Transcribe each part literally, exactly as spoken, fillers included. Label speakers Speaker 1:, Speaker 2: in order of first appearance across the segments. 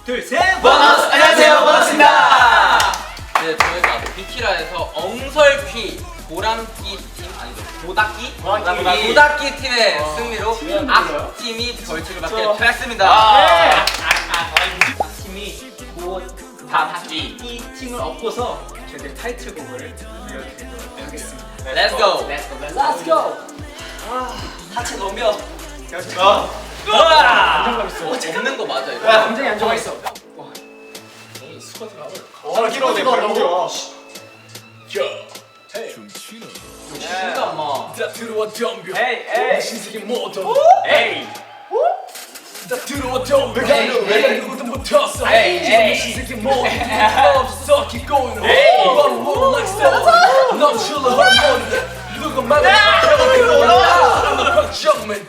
Speaker 1: 둘, 셋!
Speaker 2: 보너스! 안녕하세요, 보너스입니다! 네, 저희가 비키라에서 엉설퀴 보람끼 팀 아니죠? 보닥끼?
Speaker 1: 보닥끼.
Speaker 2: 보닥끼 팀의
Speaker 1: 어,
Speaker 2: 승리로
Speaker 1: 팀이
Speaker 2: 악팀이 벌칙을 받게
Speaker 1: 저-
Speaker 2: 되었습니다.
Speaker 1: 아, 팀이 보닥끼 이 팀을 엎고서 저희들 타이틀곡을 들려드리도록 하겠습니다.
Speaker 2: Let's go!
Speaker 1: Let's go! Let's go!
Speaker 2: 아, 하체 넘겨.
Speaker 1: 어. 안정감 있어.
Speaker 2: 어, 없는 거 맞아, 이거?
Speaker 1: 야, 굉장히 안정감 있어.
Speaker 3: 에이 스쿼트가
Speaker 1: 어, 길어, 내 발, 넘겨.
Speaker 2: 진짜 엄마.
Speaker 3: 다 들어와 덤벼
Speaker 1: 에이, 에이.
Speaker 3: 신세계 모든
Speaker 1: 에이!
Speaker 3: 다 들어와 덤벼
Speaker 2: 에이,
Speaker 3: 내가
Speaker 2: 에이.
Speaker 3: 누구든 못했어
Speaker 1: 에이, 에이.
Speaker 3: 신세계 모든 없어 keep going
Speaker 1: 에이.
Speaker 3: 바로 roll like stone 넘칠러 hormone 누가 말해 들어와 정면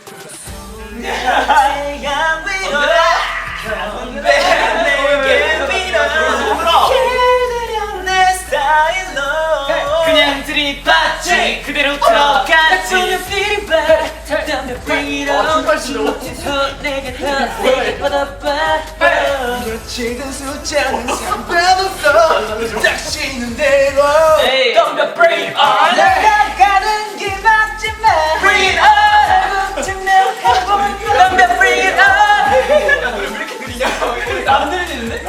Speaker 1: 하얀 위로라 가운데 내게 밀어 그대려 내 스타일로 그냥 들이받지 그대로 들어가지 들이받 덤벼 bring it on 더 내게 더 세게 뻗어봐
Speaker 3: 지금 숫자는 상관없어 딱 쉬는 대로
Speaker 1: 덤벼 bring it on 내가 가는 길 막지 마 bring it on 좀 내가 해보면 덤벼 bring it on
Speaker 3: 왜 이렇게 느리냐
Speaker 1: 안 들리는데?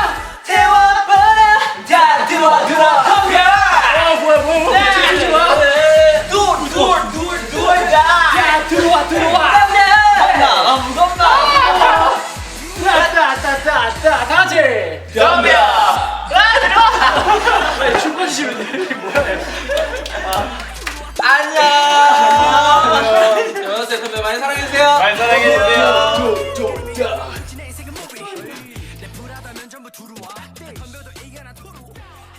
Speaker 1: 태워버려 다 들어와 들어와 덤벼 아 뭐야 뭐야 뭐야 들어와 둘둘둘둘 다 들어와 들어와 덤벼 아 무겁다 따따따따따 다같이 덤벼 아 들어와 춤 꺼주시면 돼 뭐야
Speaker 2: 안녕! 여러분들 선배 많이 사랑해주세요.
Speaker 1: 많이 사랑해주세요
Speaker 3: 도도다